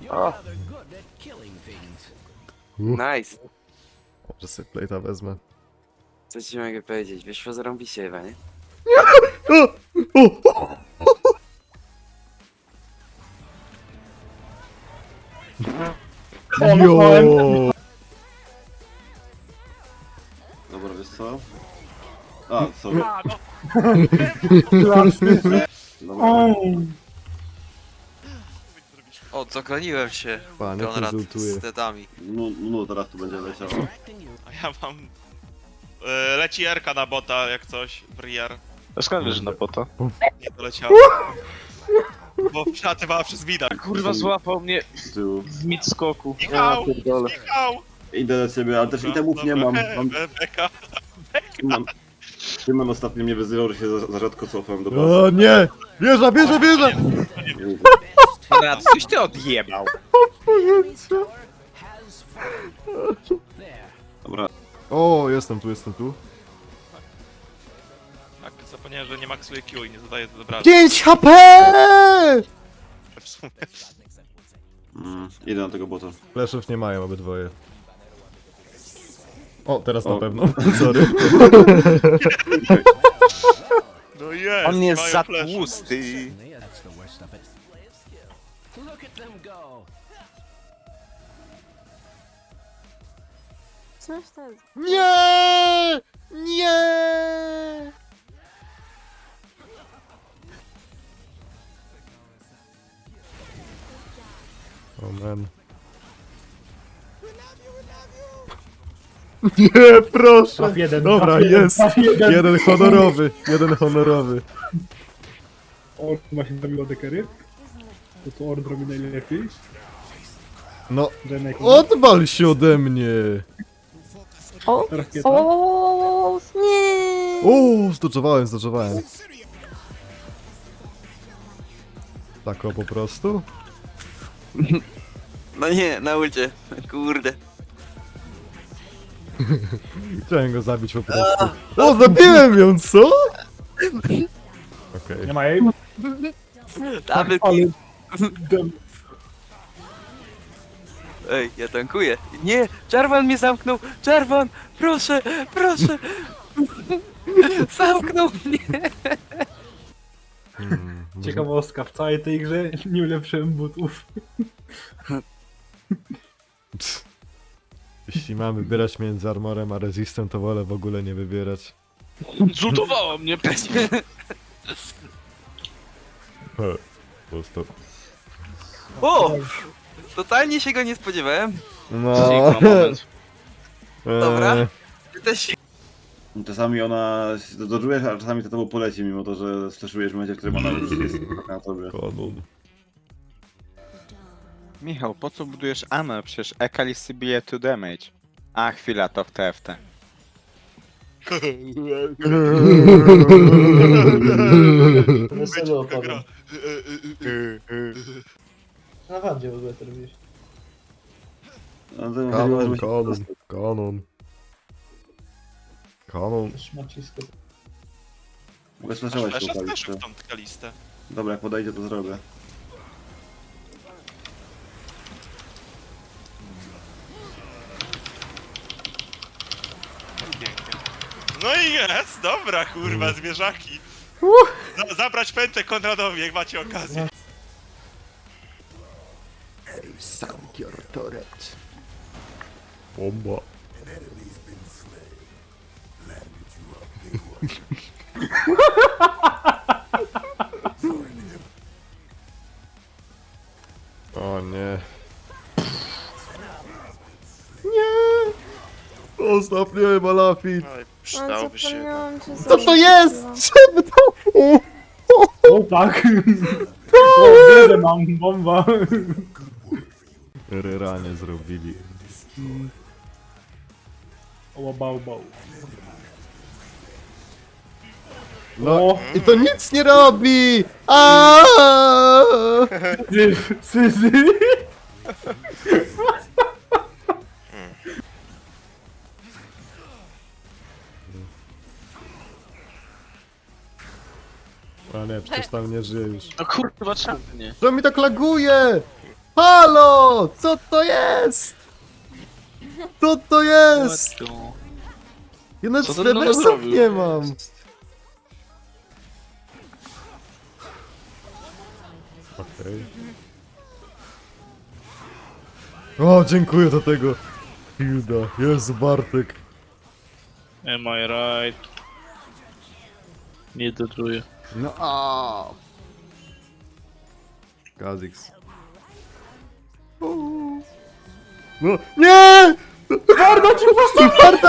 O, nice. Może sobie plate'a wezmę. Co ci mogę powiedzieć? Wyszło zarąbiście chyba, nie? Jo! Dobra, wiesz co? A, sorry. Dobra. O, zagraniłem się, Panie, Konrad, konsultuję. z dedami. No, teraz tu będzie leciało. A ja mam... leci Erka na bota, jak coś, Briar. A skąd wiesz, że na bota? Nie doleciało. Bo przelatywała przez mida. Kurwa, złapał mnie Z tyłu. w mid skoku. Michał! Michał! Idę do ciebie, ale też itemów nie mam. Beka. Szymon ostatnio mnie wyzywał, że się za rzadko cofam do bossa. O nie! Wieża, wieża, wieża! Konrad, coś ty odjebał. Dobra, O, jestem tu, jestem tu. Tak, zapomniałem, że nie maksuje Q i nie zadaje to dobra. 5 HP! W sumie. idę na tego bota. Flashów nie mają obydwoje. O, teraz na O. pewno. Sorry. No jest! On jest mają za flash. tłusty. Coś tam. Nie! Nie! O man. Nie, proszę! Dobra, jest! Jeden honorowy, jeden honorowy. Orn właśnie zrobił dekery. To co Orn robi najlepiej. No, Renek. odwal się ode mnie! O! Rakieta. O! Nie! O, zdoczowałem. Tak o po prostu? No nie, na ulcie. Kurde. Chciałem go zabić po prostu. O, zabiłem ją, co? Okej. Nie ma jej. Double Ale... kill. Dem... Ej, ja tankuję. Nie! Jarvan mnie zamknął! Jarvan! Proszę! Proszę! Zamknął mnie! Ciekawostka, w całej tej grze nie ulepszyłem butów. Jeśli mam wybierać między armorem a resistem, to wolę w ogóle nie wybierać. Zultowało mnie. Pusto. O! Totalnie się go nie spodziewałem. No. moment. Dobra. Ty też się... Czasami ona się dodżujesz, a czasami to tobą poleci, mimo to, że staszujesz w momencie, w którym ona już jest na tobie. Konun. Michał, po co budujesz amę? Przecież Ekalisy bije 2 damage. A, chwila, to w TFT. Weselo Taka gra. Na wadzie w ogóle to robisz. Kanon. Szmacisko. Mogę slashować tą Flasha też kalistę. w tą kalistę. Dobra, jak podejdzie, to zrobię. Pięknie. No i jest! Dobra, kurwa, zwierzaki. Zabrać pętę Konradowi, jak macie okazję. Bomba. O nie. Nie! Zostaw mnie, Malafit! Ale Ale przydałoby się. zapomniałam cię Co to jest? Czemu to? O tak! O, wiele mam, bomba! Ryranie zrobili. O, bał, bał. No i to nic nie robi! Aaaa! Syzy! A nie, przecież tam nie żyje już. No kurwa, czemu nie? Co mi tak laguje? Halo! Co to jest? Co to jest? Ja nawet Co ten nowy reversów zrobił? nie mam. Okej. O, dziękuję do tego. Hilda, Jezu, Bartek. Am I right? Nie dodruję. No a. Kazix. No, nie! Warda ci postaw, Warda!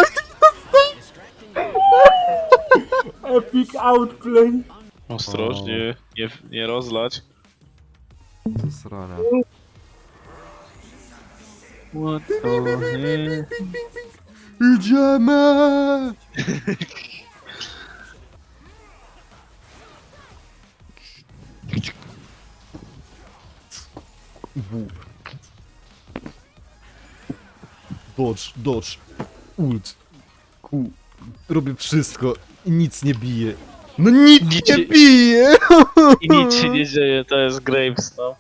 Epic outplay. Ostrożnie, nie rozlać. Co srana. What the hell? Idziemy! Dodge, dodge, ult, Q. Robię wszystko i nic nie bije. No nic Nic nie się- bije! I nic się nie dzieje, to jest Graves, no.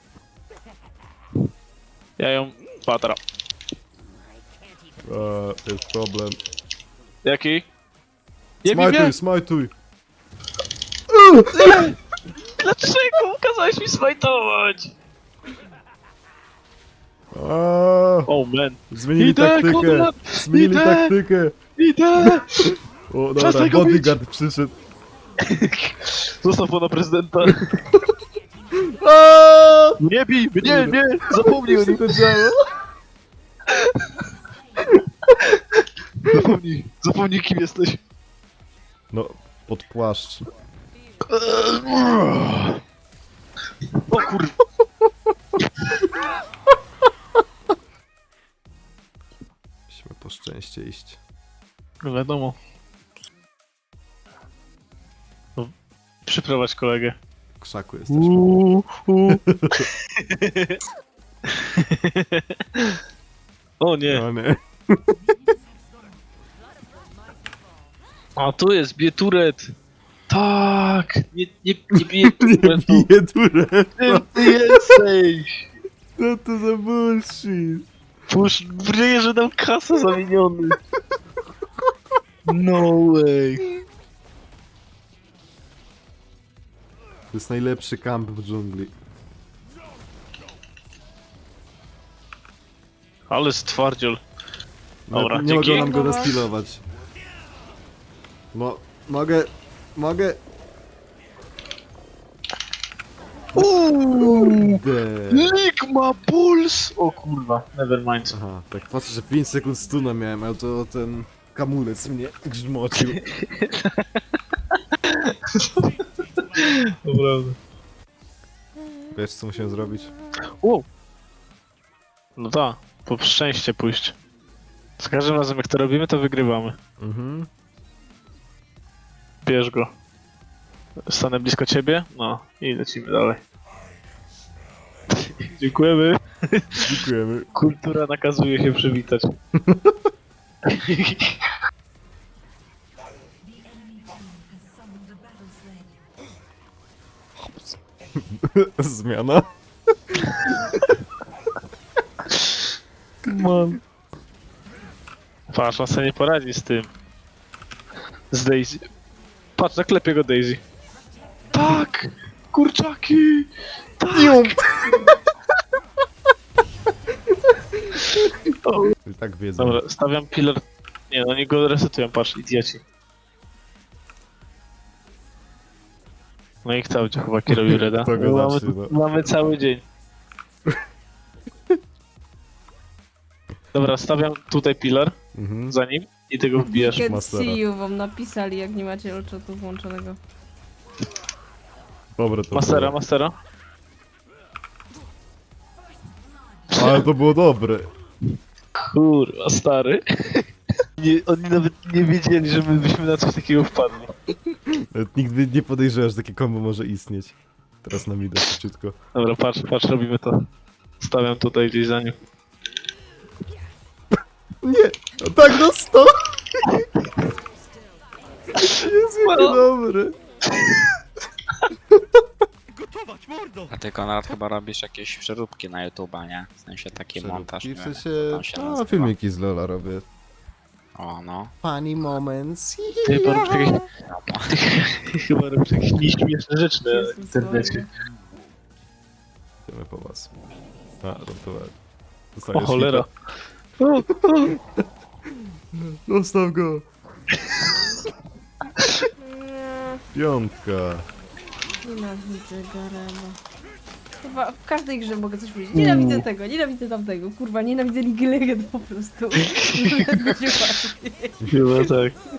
Ja ją... Patra. Jest problem. Jaki? Nie Smajtuj, wiem, smajtuj. dlaczego kazałeś mi smajtować? Oh man. Zmienili Idę, taktykę. Konrad, Zmienili idę. taktykę. Idę! O, dobra, Przestań go bodyguard przyszedł. Zostaw pana prezydenta. Aaaa! Nie bij! Nie! Zapomnij o nim! to działa? Zapomnij kim jesteś. No, pod płaszcz. O kur... Musimy po szczęście iść. No wiadomo. No, przyprowadź kolegę. W krzaku jesteśmy. O nie. No nie. A tu jest, bije turet. Tak. Nie bije Nie turetu. bije Tureta. Ty jesteś. Co to za bullshit? Pusz, że nam kasę zamieniony. No way. To jest najlepszy kamp w dżungli. Ale stwardziel. Dobra, Nie mogą dzięki. nam go restylować. Mogę... Kurde. Ligma Puls! O kurwa, nevermind. Aha, tak patrzę, że 5 sekund stuna miałem, ale to ten kamulec mnie grzmocił. Dobra. Wiesz co musimy zrobić? Wow. No tak, po szczęście pójść. Z każdym razem jak to robimy, to wygrywamy. Mhm. Bierz go. Stanę blisko ciebie, no i lecimy dalej. Dziękujemy. Dziękujemy. Kultura nakazuje się przywitać. Zmiana. Mam. Patrz, on sobie nie poradzi z tym. Z Daisy. Patrz, zaklepię go Daisy. Tak! Kurczaki! Tak! I tak wiedzą. Dobra, stawiam pillar. Nie, no oni go resetują, patrz, idioci. No i cały dzień chłopaki robił reda. To go mamy, zacznie, no. mamy cały dzień. Dobra, stawiam tutaj pillar Mhm. za nim i tego wbijasz. Get Mastera. see you wam napisali, jak nie macie olczatu włączonego. Dobre to Mastera, było. mastera. Ale to było dobre. Kurwa, stary. Nie, oni nawet nie wiedzieli, że my byśmy na coś takiego wpadli. Nawet nigdy nie podejrzewam, że takie kombo może istnieć. Teraz nam idę szybciutko. Dobra, patrz, robimy to. Stawiam tutaj gdzieś za nim. Nie! No tak, no stop! Jest jakie dobre. Gotować! A ty, Konrad, chyba robisz jakieś przeróbki na YouTube'a, nie? W sensie taki montaż, I nie w wiem, sensie, jak to się no, nazywa. filmiki z Lola robię. O, no. Funny moments. Ty chyba robisz jakieś... Chyba robisz jakieś nieśmieszne rzeczy na Jezus internecie. Idziemy po was. A, żartowałem. O Dostaniesz cholera. hita. Zostaw go. Piątka. Nienawidzę Garena. Chyba w każdej grze mogę coś powiedzieć. Nienawidzę tego, nienawidzę tamtego. Kurwa, nienawidzę League Legend po prostu. Będzie łatwiej. Chyba tak.